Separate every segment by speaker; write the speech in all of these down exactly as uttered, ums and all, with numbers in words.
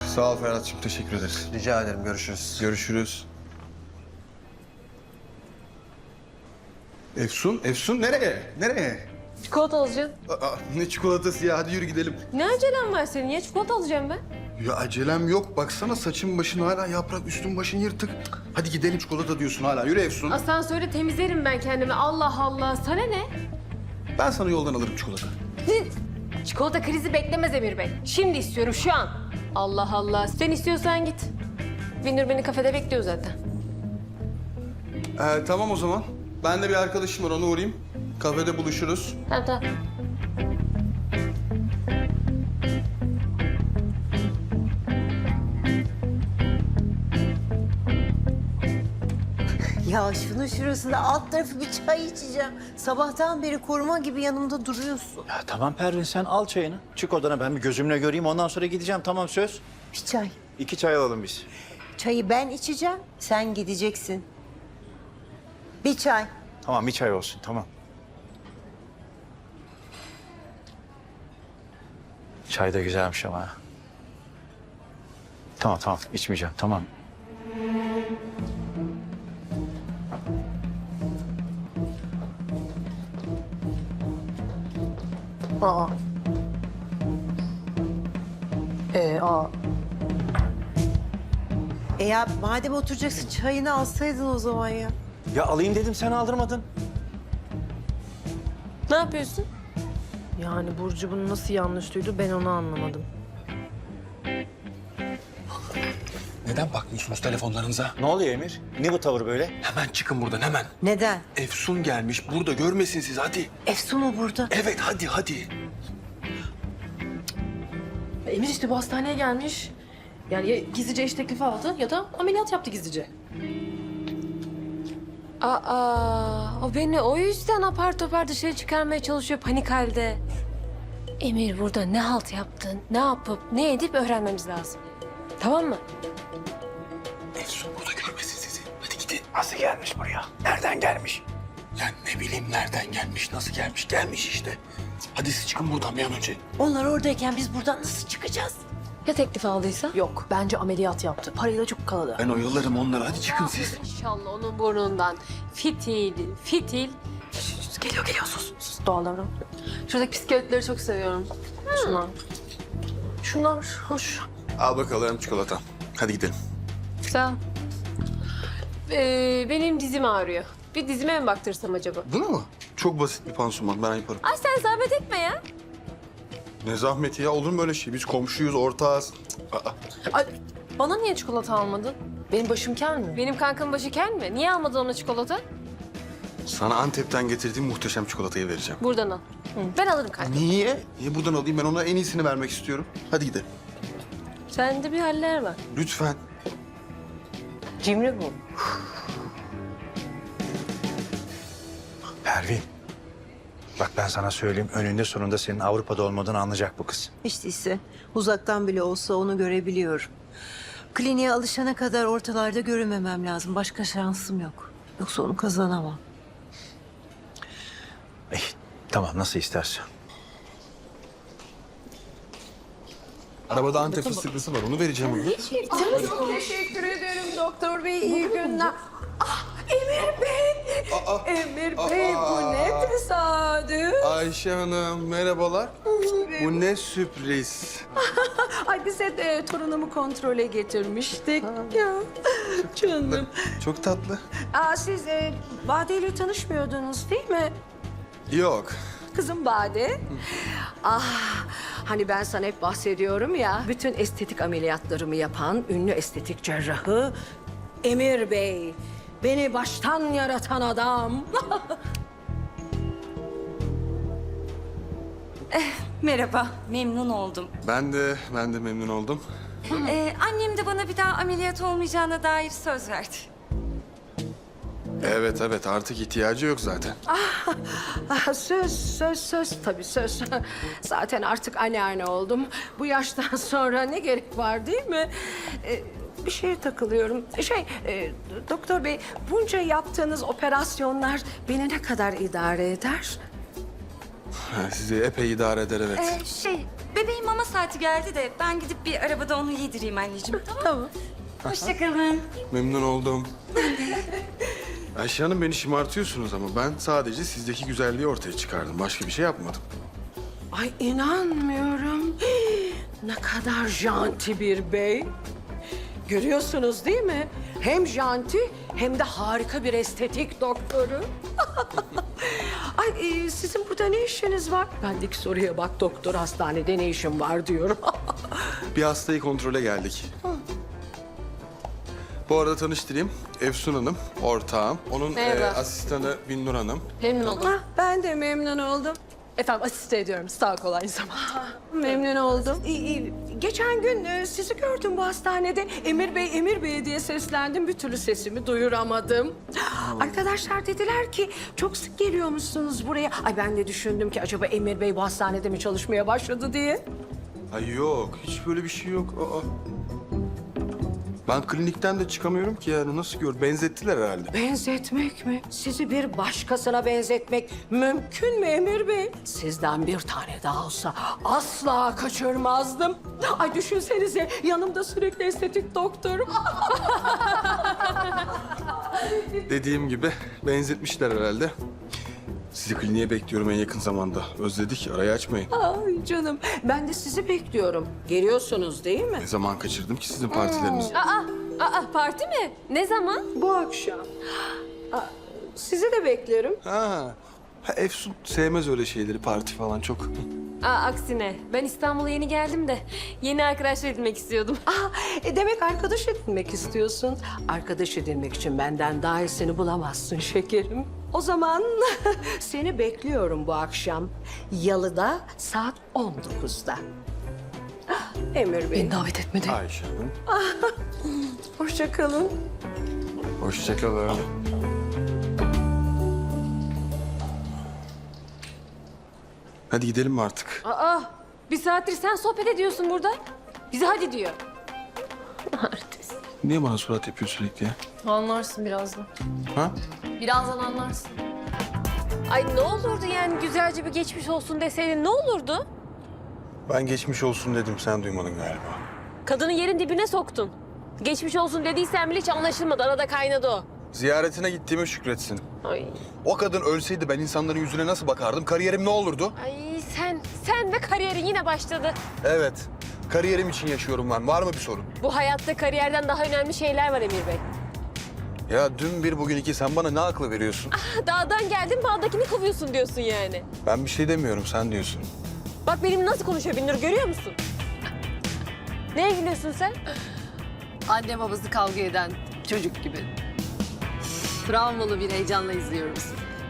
Speaker 1: Sağ ol Ferhat'cığım, teşekkür ederiz.
Speaker 2: Rica ederim, görüşürüz.
Speaker 1: Görüşürüz. Efsun, Efsun nereye? Nereye?
Speaker 3: Çikolata alacağım.
Speaker 1: Aa, ne çikolatası ya, hadi yürü gidelim.
Speaker 3: Ne acelem var senin ya? Çikolata alacağım ben.
Speaker 1: Ya acelem yok, baksana saçın başın hala yaprak, üstün başın yırtık. Hadi gidelim, çikolata diyorsun hala, yürü Efsun.
Speaker 3: Asansörde temizlerim ben kendimi. Allah Allah. Sana ne?
Speaker 1: Ben sana yoldan alırım çikolata.
Speaker 3: Çikolata krizi beklemez Emir Bey. Şimdi istiyorum, şu an. Allah Allah. Sen istiyorsan git. Binur beni kafede bekliyor zaten.
Speaker 1: Ee, tamam o zaman. Ben de bir arkadaşım var, ona uğrayayım. Kafede buluşuruz.
Speaker 3: Tamam tamam.
Speaker 4: Ya şunun şurasında alt tarafı bir çay içeceğim. Sabahtan beri koruma gibi yanımda duruyorsun.
Speaker 5: Ya tamam Pervin, sen al çayını. Çık odana, ben bir gözümle göreyim, ondan sonra gideceğim. Tamam, söz.
Speaker 4: Bir çay.
Speaker 5: İki çay alalım biz.
Speaker 4: Çayı ben içeceğim, sen gideceksin. Bir çay.
Speaker 5: Tamam, bir çay olsun, tamam. Çay da güzelmiş ama. Tamam tamam, içmeyeceğim, tamam.
Speaker 4: Aa. Ee, aa. E ya madem oturacaksın çayını alsaydın o zaman ya.
Speaker 5: Ya alayım dedim, sen aldırmadın.
Speaker 3: Ne yapıyorsun?
Speaker 6: Yani Burcu bunu nasıl yanlış duydu ben onu anlamadım.
Speaker 1: Neden bakmıyorsunuz telefonlarınıza?
Speaker 5: Ne oluyor Emir? Ne bu tavır böyle?
Speaker 1: Hemen çıkın buradan, hemen.
Speaker 4: Neden?
Speaker 1: Efsun gelmiş, burada görmesin siz, hadi.
Speaker 4: Efsun mu burada?
Speaker 1: Evet, hadi, hadi.
Speaker 6: Emir işte bu hastaneye gelmiş. Yani ya gizlice iş teklifi aldı ya da ameliyat yaptı gizlice.
Speaker 3: Aa, o beni o yüzden apar topar dışarı çıkarmaya çalışıyor panik halde. Emir burada ne halt yaptın, ne yapıp, ne edip öğrenmemiz lazım. Tamam mı?
Speaker 1: Efsun burada görmesin sizi. Hadi gidin.
Speaker 5: Nasıl gelmiş buraya? Nereden gelmiş?
Speaker 1: Ya ne bileyim nereden gelmiş, nasıl gelmiş? Gelmiş işte. Hadi siz çıkın buradan bir an önce.
Speaker 4: Onlar oradayken biz buradan nasıl çıkacağız?
Speaker 3: Ya teklif aldıysa?
Speaker 6: Yok bence ameliyat yaptı. Parayı da çok kaladı.
Speaker 1: Ben oyalarım onları, hadi çıkın siz.
Speaker 3: İnşallah onun burnundan fitil, fitil.
Speaker 6: Geliyor geliyor sus. Sus doğal davran. Şuradaki bisikletleri çok seviyorum. Şunlar. Şunlar hoş.
Speaker 1: Al bakalım çikolata. Hadi gidelim.
Speaker 3: Sağ ol. Ee, benim dizim ağrıyor. Bir dizime mi baktırsam acaba?
Speaker 1: Buna mı? Çok basit bir pansuman, ben yaparım.
Speaker 3: Ay sen zahmet etme ya.
Speaker 1: Ne zahmeti ya, olur mu öyle şey? Biz komşuyuz, ortağız. Aa,
Speaker 6: Ay, bana niye çikolata almadın? Benim başım kel mi?
Speaker 3: Benim kankam başı kel mi? Niye almadın ona çikolata?
Speaker 1: sana Antep'ten getirdiğim muhteşem çikolatayı vereceğim.
Speaker 3: Buradan al. Ben alırım kanka.
Speaker 1: Niye? Niye buradan alayım? Ben ona en iyisini vermek istiyorum. Hadi gidelim.
Speaker 3: Sende bir haller var.
Speaker 1: Lütfen.
Speaker 3: Cimri bu.
Speaker 5: Pervin. Bak ben sana söyleyeyim, önünde sonunda senin Avrupa'da olmadığını anlayacak bu kız.
Speaker 4: İşte ise uzaktan bile olsa onu görebiliyorum. Kliniğe alışana kadar ortalarda görünmemem lazım. Başka şansım yok. Yoksa onu kazanamam.
Speaker 5: İyi, tamam, nasıl istersen.
Speaker 1: Arabada Antep fıstıklısı var, onu vereceğim ona.
Speaker 7: Teşekkür ederim doktor bey. İyi günler. Ah Emir Bey. Emir Bey bu ne tesadüf.
Speaker 1: Ayşe Hanım, merhabalar. Bu ne sürpriz.
Speaker 7: Ay bize de torunumu kontrole getirmiştik. Ya canım.
Speaker 1: Çok tatlı.
Speaker 7: Aa, siz e, Bade ile tanışmıyordunuz değil mi?
Speaker 1: Yok.
Speaker 7: Kızım Bade. Ah, hani ben sana hep bahsediyorum ya. Bütün estetik ameliyatlarımı yapan ünlü estetik cerrahı Emir Bey. Beni baştan yaratan adam.
Speaker 8: Merhaba, memnun oldum.
Speaker 1: Ben de, ben de memnun oldum.
Speaker 8: Ee, annem de bana bir daha ameliyat olmayacağına dair söz verdi.
Speaker 1: Evet, evet. Artık ihtiyacı yok zaten.
Speaker 7: Ah, söz, söz, söz. Tabii söz. Zaten artık anneanne oldum. Bu yaştan sonra ne gerek var değil mi? Ee, bir şeye takılıyorum. Şey, e, doktor bey, bunca yaptığınız operasyonlar beni ne kadar idare eder?
Speaker 1: Ha, sizi epey idare eder, evet.
Speaker 8: Ee, şey, bebeğin mama saati geldi de ben gidip bir arabada onu yedireyim anneciğim. Tamam.
Speaker 6: Tamam.
Speaker 8: Hoşçakalın.
Speaker 2: Memnun oldum. Ayşe Hanım beni şımartıyorsunuz ama ben sadece sizdeki güzelliği ortaya çıkardım. Başka bir şey yapmadım.
Speaker 7: Ay inanmıyorum. Ne kadar janti bir bey. Görüyorsunuz değil mi? Hem janti hem de harika bir estetik doktoru. Ay e, sizin burada ne işiniz var? Bendeki soruya bak, doktor hastanede ne işin var diyorum.
Speaker 2: Bir hastayı kontrole geldik. Bu arada tanıştırayım. Efsun Hanım, ortağım. Onun
Speaker 6: Merhaba.
Speaker 2: e, asistanı Binnur Hanım.
Speaker 6: Memnun oldum.
Speaker 7: Ah, ben de memnun oldum.
Speaker 6: Efendim asiste ediyorum. Sağ ol aynı zamanda.
Speaker 7: Memnun oldum. Ee, e, geçen gün e, sizi gördüm bu hastanede. Emir Bey, Emir Bey diye seslendim. Bir türlü sesimi duyuramadım. Arkadaşlar dediler ki çok sık geliyormuşsunuz buraya. Ay ben de düşündüm ki acaba Emir Bey bu hastanede mi çalışmaya başladı diye.
Speaker 2: Ay yok, hiç böyle bir şey yok. Aa. Ben klinikten de çıkamıyorum ki yani nasıl gör? Benzettiler herhalde.
Speaker 7: Benzetmek mi? Sizi bir başkasına benzetmek mümkün mü Emir Bey? Sizden bir tane daha olsa asla kaçırmazdım. Ay düşünsenize yanımda sürekli estetik doktorum.
Speaker 2: Dediğim gibi benzetmişler herhalde. Sizi kliniğe bekliyorum en yakın zamanda. Özledik, arayı açmayın.
Speaker 7: Ay canım ben de sizi bekliyorum. Geliyorsunuz değil mi?
Speaker 2: Ne zaman kaçırdım ki sizin partilerinizi?
Speaker 3: Aa, aa parti mi? Ne zaman?
Speaker 7: Bu akşam. Aa, sizi de beklerim.
Speaker 2: Ha. ha, Efsun sevmez öyle şeyleri, parti falan çok.
Speaker 3: Aa, aksine ben İstanbul'a yeni geldim de yeni arkadaşlar edinmek istiyordum.
Speaker 7: Aa, e demek arkadaş edinmek istiyorsun. Arkadaş edinmek için benden daha iyisini bulamazsın şekerim. O zaman seni bekliyorum bu akşam. Yalı'da saat on dokuzda. Ah, Emir Bey,
Speaker 6: Beni davet etmedi.
Speaker 2: Ayşe Hanım.
Speaker 7: hoşça kalın.
Speaker 2: Hoşçakalın. Hadi gidelim mi artık?
Speaker 3: Aa, bir saattir sen sohbet ediyorsun burada. Bize hadi diyor. Artist.
Speaker 2: Niye bana surat yapıyor sürekli ya?
Speaker 6: Anlarsın birazdan.
Speaker 2: Ha?
Speaker 6: Birazdan anlarsın.
Speaker 3: Ay ne olurdu yani güzelce bir geçmiş olsun deseydin ne olurdu?
Speaker 2: Ben geçmiş olsun dedim, sen duymadın galiba.
Speaker 3: Kadını yerin dibine soktun. Geçmiş olsun dediysen bile hiç anlaşılmadı. Arada kaynadı o.
Speaker 2: Ziyaretine gittiğime şükretsin.
Speaker 3: Ay,
Speaker 1: O kadın ölseydi ben insanların yüzüne nasıl bakardım? Kariyerim ne olurdu?
Speaker 3: ay sen, sen ve kariyerin yine başladı.
Speaker 1: Evet. Kariyerim için yaşıyorum ben. Var mı bir sorun?
Speaker 3: Bu hayatta kariyerden daha önemli şeyler var Emir Bey.
Speaker 1: Ya dün bir bugün iki sen bana ne aklı veriyorsun?
Speaker 3: Dağdan geldin bağdakini kovuyorsun diyorsun yani.
Speaker 1: Ben bir şey demiyorum sen diyorsun.
Speaker 3: Bak benim nasıl konuşuyor Binnur görüyor musun? Neye gülüyorsun sen?
Speaker 6: Anne babası kavga eden çocuk gibi. Travmalı bir heyecanla izliyoruz.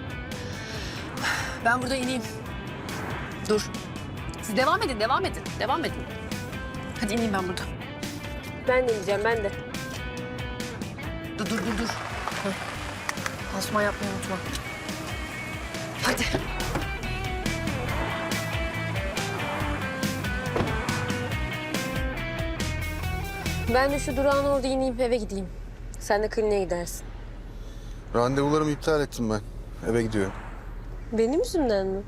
Speaker 6: Ben burada ineyim. Dur. Siz devam edin, devam edin, devam edin. Hadi ineyim ben burada.
Speaker 3: Ben de ineceğim ben de.
Speaker 6: Dur, dur, dur, dur. Heh. Pansuman yapmayı unutma. Hadi.
Speaker 3: Ben de şu durağın orada ineyim eve gideyim. Sen de kliniğe gidersin.
Speaker 2: Randevularımı iptal ettim ben. Eve gidiyorum.
Speaker 3: Benim yüzümden mi?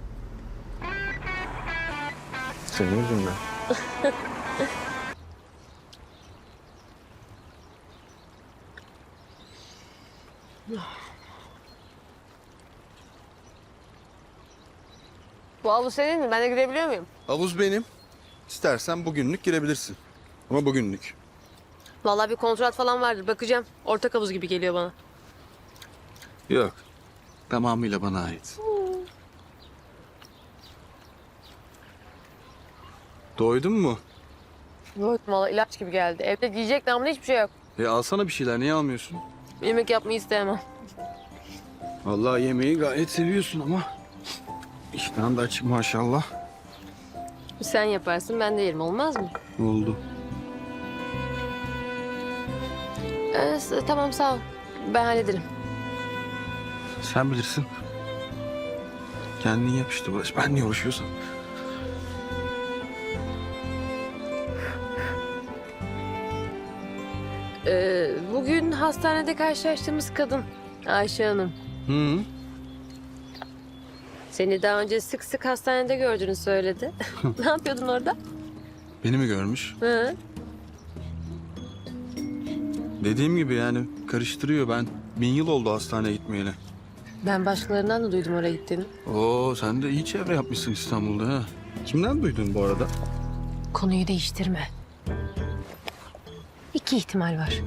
Speaker 2: Senin yüzünden.
Speaker 3: Bu havlu senin mi? Ben de girebiliyor muyum?
Speaker 2: Havuz benim. İstersen bugünlük girebilirsin. Ama bugünlük.
Speaker 3: Vallahi bir kontrat falan vardır. Bakacağım. Ortak havuz gibi geliyor bana.
Speaker 2: Yok. Tamamıyla bana ait. Doydun mu?
Speaker 3: Yok vallahi ilaç gibi geldi. Evde giyecek namına hiçbir şey yok.
Speaker 2: E alsana bir şeyler. Niye almıyorsun?
Speaker 3: Yemek yapmayı istemem.
Speaker 2: Vallahi yemeği gayet seviyorsun ama. İştahın da açık maşallah.
Speaker 3: Sen yaparsın ben de yerim olmaz mı?
Speaker 2: Oldu.
Speaker 3: Ee, s- tamam sağ ol. Ben hallederim.
Speaker 2: Sen bilirsin. Kendin yap işte Barış. Ben niye uğraşıyorsam.
Speaker 3: Ee, bugün hastanede karşılaştığımız kadın Ayşe Hanım.
Speaker 2: Hı.
Speaker 3: Seni daha önce sık sık hastanede gördüğünü söyledi. Ne yapıyordun orada?
Speaker 2: Beni mi görmüş?
Speaker 3: Hı?
Speaker 2: Dediğim gibi yani karıştırıyor. Ben bin yıl oldu hastaneye gitmeyeli.
Speaker 3: Ben başkalarından da duydum oraya gittiğini.
Speaker 2: Oo sen de iyi çevre yapmışsın İstanbul'da ha. Kimden duydun bu arada?
Speaker 3: Konuyu değiştirme. İki ihtimal var.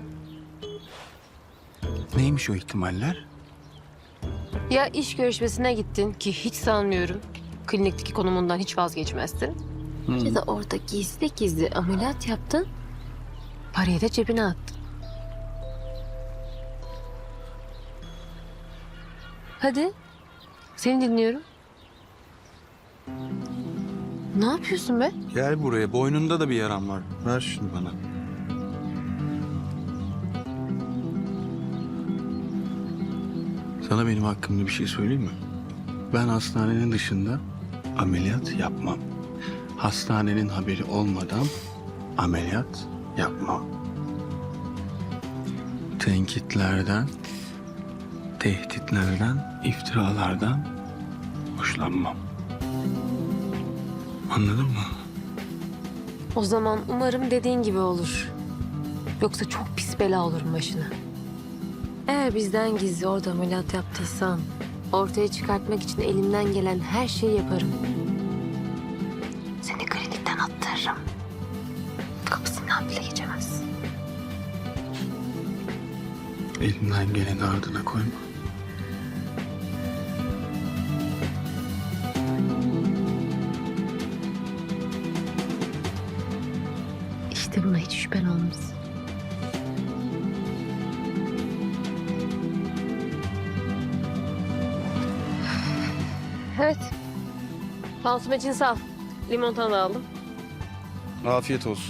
Speaker 2: Neymiş o ihtimaller?
Speaker 3: Ya iş görüşmesine gittin ki hiç sanmıyorum. Klinikteki konumundan hiç vazgeçmezsin. Ya da orada gizli gizli ameliyat yaptın. Parayı da cebine attın. Hadi. Seni dinliyorum. Ne yapıyorsun be?
Speaker 2: Gel buraya. Boynunda da bir yaram var. Ver şunu bana. Sana benim hakkımda bir şey söyleyeyim mi? Ben hastanenin dışında ameliyat yapmam. Hastanenin haberi olmadan ameliyat yapmam. Tenkitlerden, tehditlerden, iftiralardan hoşlanmam. Anladın mı?
Speaker 3: O zaman umarım dediğin gibi olur. Yoksa çok pis bela olurum başına. Eğer bizden gizli orada ameliyat yaptıysan... ortaya çıkartmak için elimden gelen her şeyi yaparım. Seni klinikten attırırım. Kapısından bile geçemezsin.
Speaker 2: Elimden geleni ardına koyma.
Speaker 3: İşte buna hiç şüphen olmaz. Evet. Pansuman için sağ ol. Limonata da aldım.
Speaker 2: Afiyet olsun.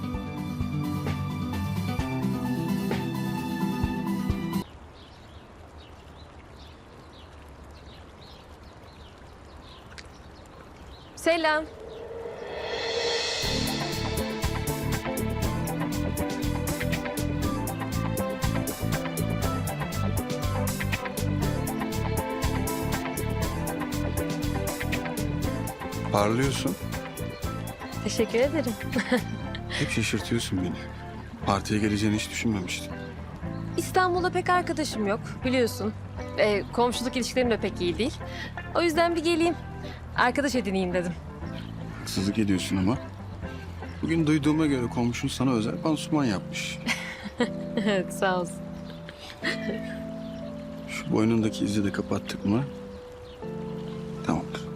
Speaker 3: Selam.
Speaker 2: Parlıyorsun.
Speaker 3: Teşekkür ederim.
Speaker 2: Hep şaşırtıyorsun beni. Partiye geleceğini hiç düşünmemiştim.
Speaker 3: İstanbul'da pek arkadaşım yok biliyorsun. Ee, komşuluk ilişkilerim de pek iyi değil. O yüzden bir geleyim. Arkadaş edineyim dedim.
Speaker 2: Haksızlık ediyorsun ama. Bugün duyduğuma göre komşun sana özel pansuman yapmış.
Speaker 3: Evet sağ olsun.
Speaker 2: Şu boynundaki izi de kapattık mı? Tamamdır.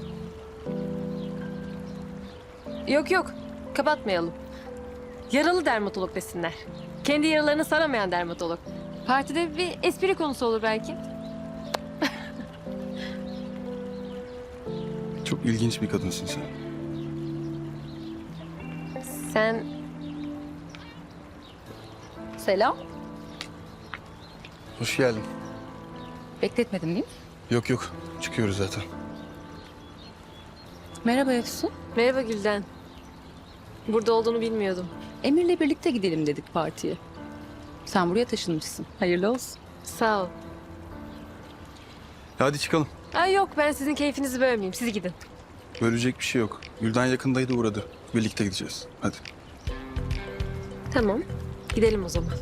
Speaker 3: Yok yok kapatmayalım. Yaralı dermatolog desinler. Kendi yaralarını saramayan dermatolog. Partide bir espri konusu olur belki.
Speaker 2: Çok ilginç bir kadınsın sen.
Speaker 3: Sen...
Speaker 6: Selam.
Speaker 2: Hoş geldin.
Speaker 6: Bekletmedim değil mi?
Speaker 2: Yok yok. Çıkıyoruz zaten.
Speaker 6: Merhaba Efsun.
Speaker 3: Merhaba Gülden. Burada olduğunu bilmiyordum.
Speaker 6: Emir'le birlikte gidelim dedik partiye. Sen buraya taşınmışsın. Hayırlı olsun.
Speaker 3: Sağ ol.
Speaker 2: Hadi çıkalım.
Speaker 3: Ay yok ben sizin keyfinizi bölmeyeyim. Siz gidin.
Speaker 2: Bölecek bir şey yok. Gülden yakındaydı uğradı. Birlikte gideceğiz. Hadi.
Speaker 3: Tamam. Gidelim o zaman.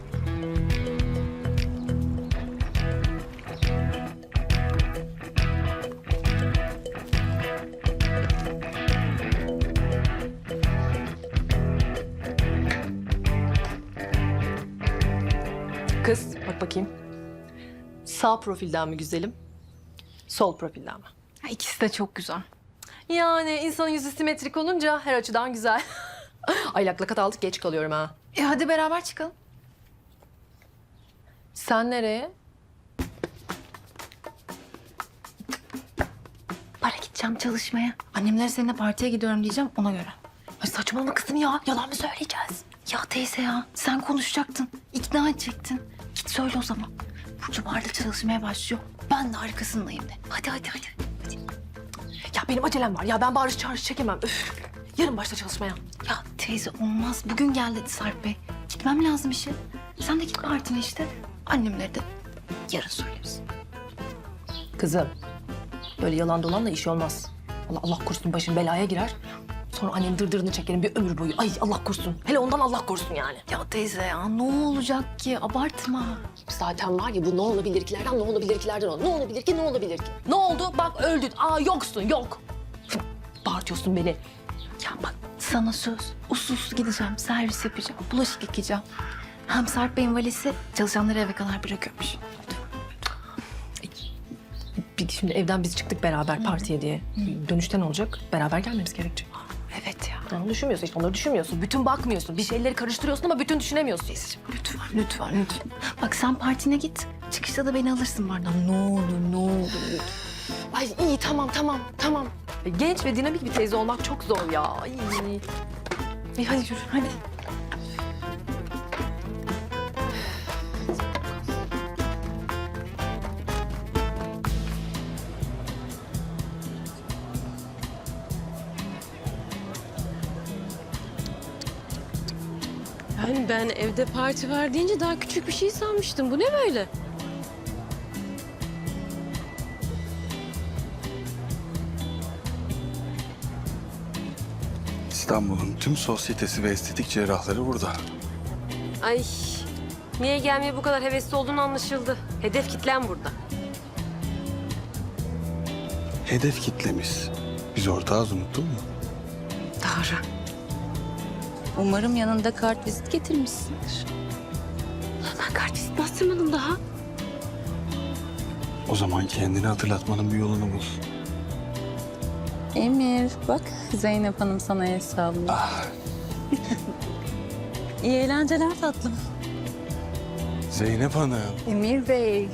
Speaker 9: Kız bak bakayım. Sağ profilden mi güzelim? Sol profilden mi?
Speaker 6: Ha, İkisi de çok güzel.
Speaker 9: Yani insanın yüzü simetrik olunca her açıdan güzel. Ay lak lakat aldık geç kalıyorum ha.
Speaker 6: E hadi beraber çıkalım.
Speaker 9: Sen nereye?
Speaker 6: Para gideceğim çalışmaya. Annemlere seninle partiye gidiyorum diyeceğim ona göre. Ay saçmalama kızım ya. Yalan mı söyleyeceğiz? Ya teyze ya sen konuşacaktın. İkna edecektin. Git söyle o zaman. Burcu barda çalışmaya başlıyor. Ben de arkasındayım de. Hadi hadi hadi. hadi.
Speaker 9: Ya benim acelem var ya ben bağırış çağırış çekemem. Üf. Yarın başla çalışmaya.
Speaker 6: Ya teyze olmaz. Bugün gel dedi Sarp Bey. Gitmem lazım işe. Sen de git partine işte. Annemlere de yarın söyleriz.
Speaker 9: Kızım Böyle yalan dolanla iş olmaz. Allah, Allah korusun başın belaya girer. Sonra annenin dırdırını çekerim bir ömür boyu. Ay Allah korusun. Hele ondan Allah korusun yani.
Speaker 6: Ya teyze ya ne olacak ki? Abartma.
Speaker 9: Zaten var ya bu ne olabilir kilerden ne olabilir kilerden ol. Ne olabilir ki ne olabilir ki? Ne oldu? Bak öldün. Aa yoksun yok. Bağırtıyorsun beni.
Speaker 6: Ya bak sana söz. Usul usul gideceğim. Servis yapacağım. Bulaşık yıkayacağım. Hem Sarp Bey'in valisi çalışanları eve kadar bırakıyormuş.
Speaker 9: Bir şimdi evden biz çıktık beraber partiye diye. Dönüşte ne olacak? Beraber gelmemiz gerekecek.
Speaker 6: Evet ya.
Speaker 9: Onu düşünmüyorsun işte onları düşünmüyorsun. Bütün bakmıyorsun. Bir şeyleri karıştırıyorsun ama bütün düşünemiyorsun.
Speaker 6: Lütfen, lütfen, lütfen. Bak sen partine git. Çıkışta da beni alırsın bardan. Ne olur, ne olur.
Speaker 9: Ay iyi tamam tamam tamam. E, Genç ve dinamik bir teyze olmak çok zor ya. Ay.
Speaker 6: İyi hadi yürü, hadi.
Speaker 3: Yani ben evde parti var deyince daha küçük bir şey sanmıştım. Bu ne böyle?
Speaker 2: İstanbul'un tüm sosyetesi ve estetik cerrahları burada.
Speaker 3: Ay niye gelmeye bu kadar hevesli olduğunu anlaşıldı. Hedef kitlen burada.
Speaker 2: Hedef kitlemiz. Biz ortağız, unuttun mu?
Speaker 3: Doğru.
Speaker 8: Umarım yanında kartvizit getirmişsindir.
Speaker 3: Ben kartvizit bastırmadım daha.
Speaker 2: O zaman kendini hatırlatmanın bir yolunu bul.
Speaker 8: Emir bak Zeynep Hanım sana el sallıyor. İyi eğlenceler tatlım.
Speaker 2: Zeynep Hanım.
Speaker 8: Emir Bey.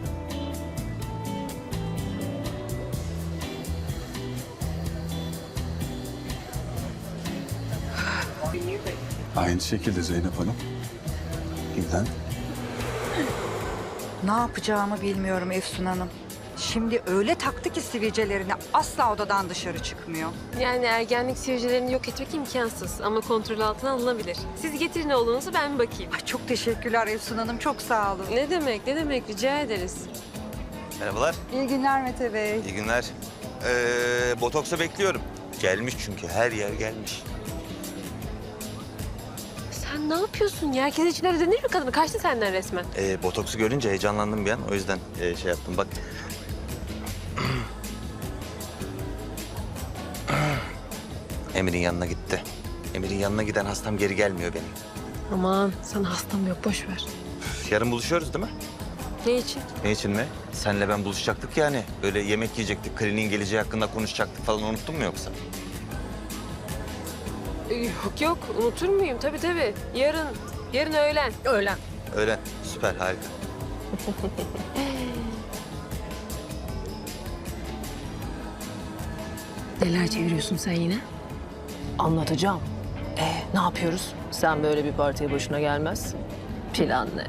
Speaker 2: Aynı şekilde Zeynep Hanım. Gülden.
Speaker 10: Ne yapacağımı bilmiyorum Efsun Hanım. Şimdi öyle taktı ki sivilcelerini asla odadan dışarı çıkmıyor.
Speaker 3: Yani ergenlik sivilcelerini yok etmek imkansız ama kontrol altına alınabilir. Siz getirin oğlunuzu ben bir bakayım.
Speaker 10: Ay çok teşekkürler Efsun Hanım, çok sağ olun.
Speaker 3: Ne demek ne demek rica ederiz.
Speaker 11: Merhabalar,
Speaker 10: İyi günler Mete Bey.
Speaker 11: iyi günler. Ee, botoksa bekliyorum. Gelmiş çünkü, her yer gelmiş.
Speaker 3: Sen ne yapıyorsun ya? Herkes içine ödenir mi kadını? Kaçtı senden resmen.
Speaker 11: Ee, botoksu görünce heyecanlandım bir an, o yüzden e, şey yaptım. Bak. Emir'in yanına gitti. Emir'in yanına giden hastam geri gelmiyor benim.
Speaker 3: Aman sana hastam yok boş ver.
Speaker 11: Yarın buluşuyoruz değil mi?
Speaker 3: Ne için?
Speaker 11: Ne için mi? Senle ben buluşacaktık yani. Böyle yemek yiyecektik, kliniğin geleceği hakkında konuşacaktık falan, unuttun mu yoksa?
Speaker 3: Yok yok unutur muyum? Tabii tabii. Yarın, yarın öğlen.
Speaker 9: Öğlen.
Speaker 11: Öyle, süper, harika.
Speaker 3: Neler çeviriyorsun sen yine?
Speaker 9: Anlatacağım. Ee, ne yapıyoruz? Sen böyle bir partiye başına gelmez. Plan ne?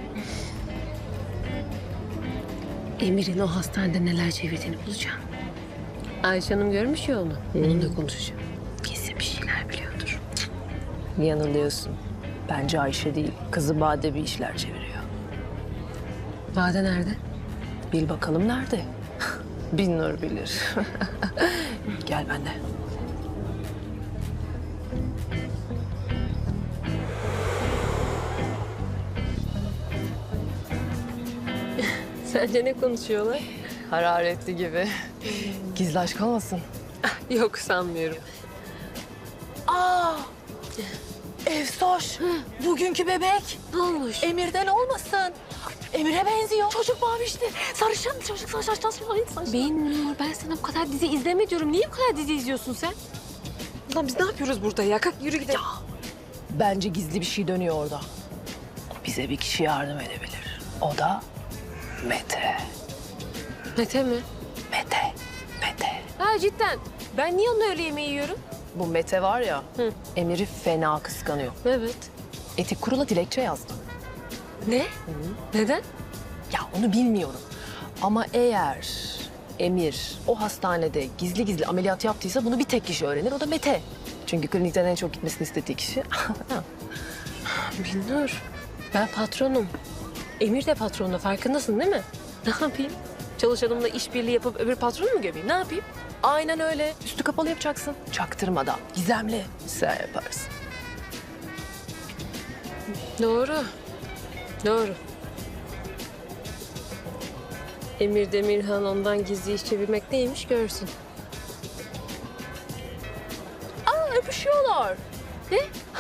Speaker 3: Emir'in o hastanede neler çevirdiğini bulacağım. Ayşe Hanım görmüş ya onu. Onunla konuşacağım. Kesin bir şeyler biliyordur.
Speaker 9: Yanılıyorsun. Bence Ayşe değil, kızı Bade bir işler çeviriyor.
Speaker 3: Bade nerede?
Speaker 9: Bil bakalım nerede? Bin nur bilir. Gel benimle.
Speaker 3: Sence ne konuşuyorlar?
Speaker 9: Hararetli gibi. Gizli aşk olmasın.
Speaker 3: Yok sanmıyorum.
Speaker 9: Aa! Efsoş, bugünkü bebek.
Speaker 3: Ne olmuş?
Speaker 9: Emir'den olmasın. Emir'e benziyor. Çocuk mavişti. Sarışın çocuk saç saç saç saç.
Speaker 3: Ben Nur, ben sana bu kadar dizi izleme diyorum. Niye bu kadar dizi izliyorsun sen? Lan biz ne yapıyoruz burada ya? Kalk yürü gidelim.
Speaker 9: Bence gizli bir şey dönüyor orada. Bize bir kişi yardım edebilir. O da Mete.
Speaker 3: Mete mi?
Speaker 9: Mete. Mete.
Speaker 3: Ha cidden. Ben niye onunla öğle yemeği yiyorum?
Speaker 9: Bu Mete var ya,
Speaker 3: Hı.
Speaker 9: Emir'i fena kıskanıyor.
Speaker 3: Evet.
Speaker 9: Etik kurula dilekçe yazdı.
Speaker 3: Ne? Neden?
Speaker 9: Ya onu bilmiyorum. Ama eğer Emir o hastanede gizli gizli ameliyat yaptıysa bunu bir tek kişi öğrenir. O da Mete. Çünkü klinikten en çok gitmesini istediği kişi.
Speaker 3: Bilnur, ben patronum. Emir de patronun, farkındasın değil mi? Ne yapayım?
Speaker 9: Çalışanımla işbirliği yapıp öbür patronu mu gömeyim? Ne yapayım? Aynen öyle. Üstü kapalı yapacaksın. Çaktırmadan, gizemli. Sen yaparsın.
Speaker 3: Doğru. Doğru. Emir Demirhan ondan gizli iş çevirmek neymiş görsün.
Speaker 9: Aa, öpüşüyorlar. Ne?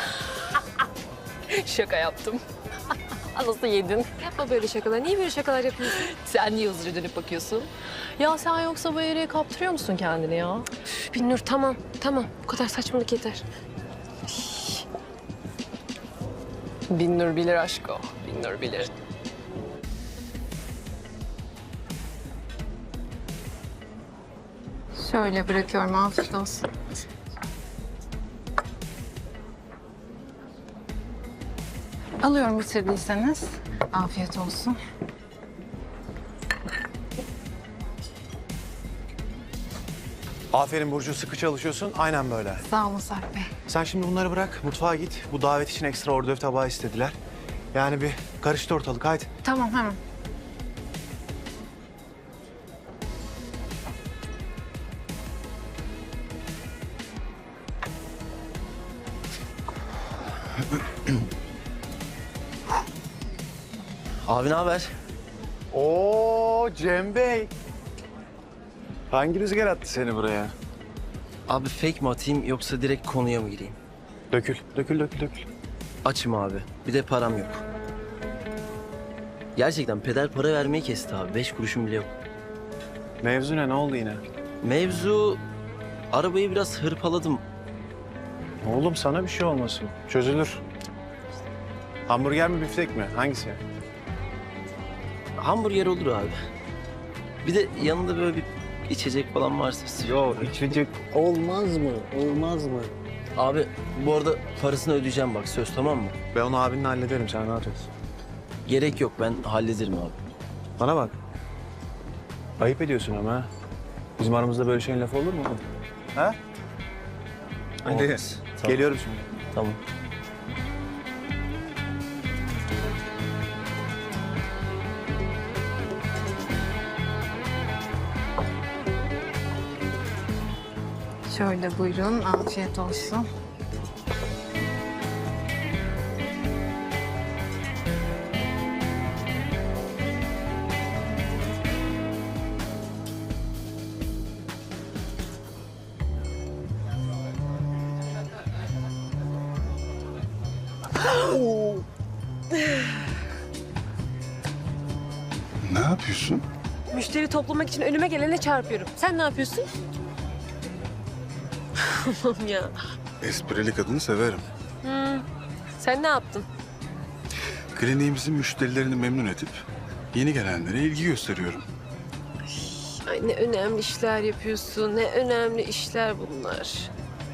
Speaker 9: Şaka yaptım. Nasıl yedin?
Speaker 3: Yapma böyle şakalar. Niye böyle şakalar yapıyorsun?
Speaker 9: Sen niye hızlıca dönüp bakıyorsun? Ya sen yoksa bu yere kaptırıyor musun kendini ya?
Speaker 3: Üf, Binnur tamam, tamam. Bu kadar saçmalık yeter.
Speaker 9: Binnur bilir aşko. Binnur bilir.
Speaker 6: Şöyle bırakıyorum, afiyet olsun. Alıyorum bitirdiyseniz. Afiyet olsun.
Speaker 12: Aferin Burcu, sıkı çalışıyorsun. Aynen böyle.
Speaker 6: Sağ olun Sarp Bey.
Speaker 12: Sen şimdi bunları bırak, mutfağa git. Bu davet için ekstra ordöv tabağı istediler. Yani bir karıştı ortalık, haydi.
Speaker 6: Tamam, hemen.
Speaker 13: Abi ne haber?
Speaker 12: Oo Cem Bey. Hangi rüzgar attı seni buraya?
Speaker 13: Abi fake mi atayım yoksa direkt konuya mı gireyim?
Speaker 12: Dökül, dökül, dökül, dökül.
Speaker 13: Açım abi. Bir de param yok. Gerçekten peder para vermeyi kesti abi. Beş kuruşum bile yok.
Speaker 12: Mevzu ne, ne oldu yine?
Speaker 13: Mevzu... Arabayı biraz hırpaladım.
Speaker 12: Oğlum sana bir şey olmasın. Çözülür. Hamburger mi, biftek mi? Hangisi?
Speaker 13: Hamburger olur abi. Bir de yanında böyle bir içecek falan varsa.
Speaker 12: Yok, içecek olmaz mı? Olmaz mı?
Speaker 13: Abi bu arada parasını ödeyeceğim bak, söz, tamam mı?
Speaker 12: Ben onu abinle hallederim, sen rahat ol.
Speaker 13: Gerek yok, ben hallederim abi.
Speaker 12: Bana bak. Ayıp ediyorsun ama ha. Bizim aramızda böyle şeyin lafı olur mu oğlum? Ha? Hadi.
Speaker 13: Olmaz. Tamam.
Speaker 12: Geliyorum şimdi.
Speaker 13: Tamam.
Speaker 6: Şöyle buyurun, afiyet olsun.
Speaker 1: Ne yapıyorsun?
Speaker 3: Müşteri toplamak için önüme gelene çarpıyorum. Sen ne yapıyorsun? Allah'ım ya.
Speaker 1: Esprili kadını severim.
Speaker 3: Hmm. Sen ne yaptın?
Speaker 1: Kliniğimizin müşterilerini memnun edip yeni gelenlere ilgi gösteriyorum.
Speaker 3: Ay ne önemli işler yapıyorsun. Ne önemli işler bunlar.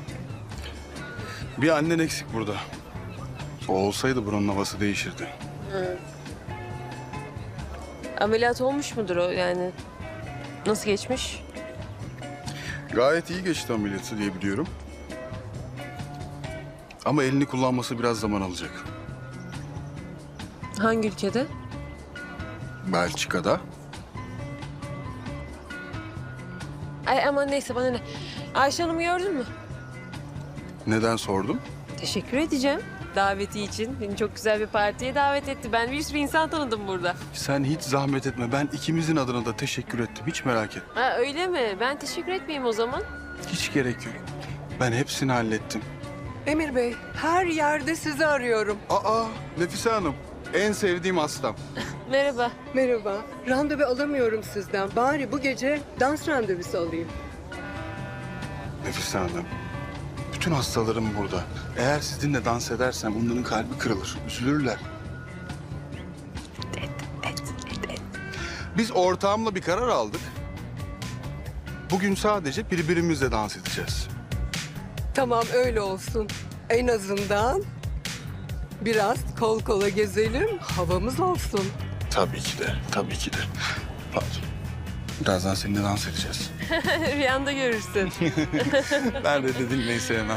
Speaker 1: Bir annen eksik burada. O olsaydı buranın havası değişirdi.
Speaker 3: Ameliyat olmuş mudur o yani? Nasıl geçmiş?
Speaker 1: Gayet iyi geçti ameliyatı diye biliyorum. Ama elini kullanması biraz zaman alacak.
Speaker 3: Hangi ülkede?
Speaker 1: Belçika'da.
Speaker 3: Ay aman neyse bana ne. Ayşe Hanım'ı gördün mü?
Speaker 1: Neden sordum?
Speaker 3: Teşekkür edeceğim. Daveti için. Beni çok güzel bir partiye davet etti. Ben bir sürü insan tanıdım burada.
Speaker 1: Sen hiç zahmet etme. Ben ikimizin adına da teşekkür ettim. Hiç merak etme.
Speaker 3: Ha öyle mi? Ben teşekkür etmeyeyim o zaman.
Speaker 1: Hiç gerek yok. Ben hepsini hallettim.
Speaker 7: Emir Bey, her yerde sizi arıyorum.
Speaker 1: Aa, Nefise Hanım. En sevdiğim hastam.
Speaker 3: Merhaba.
Speaker 7: Merhaba. Randevu alamıyorum sizden. Bari bu gece dans randevusu alayım.
Speaker 1: Nefise Hanım. Bütün hastalarım burada. Eğer sizinle dans edersem onların kalbi kırılır. Üzülürler. Biz ortağımla bir karar aldık. Bugün sadece birbirimizle dans edeceğiz.
Speaker 7: Tamam öyle olsun. En azından biraz kol kola gezelim, havamız olsun.
Speaker 1: Tabii ki de, tabii ki de. Pardon. Birazdan seninle dans edeceğiz.
Speaker 3: Rüyanda görürsün.
Speaker 1: Nerede dedilmeyi sevmem.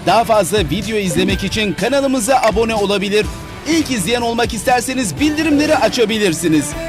Speaker 14: Daha fazla video izlemek için kanalımıza abone olabilir. İlk izleyen olmak isterseniz bildirimleri açabilirsiniz.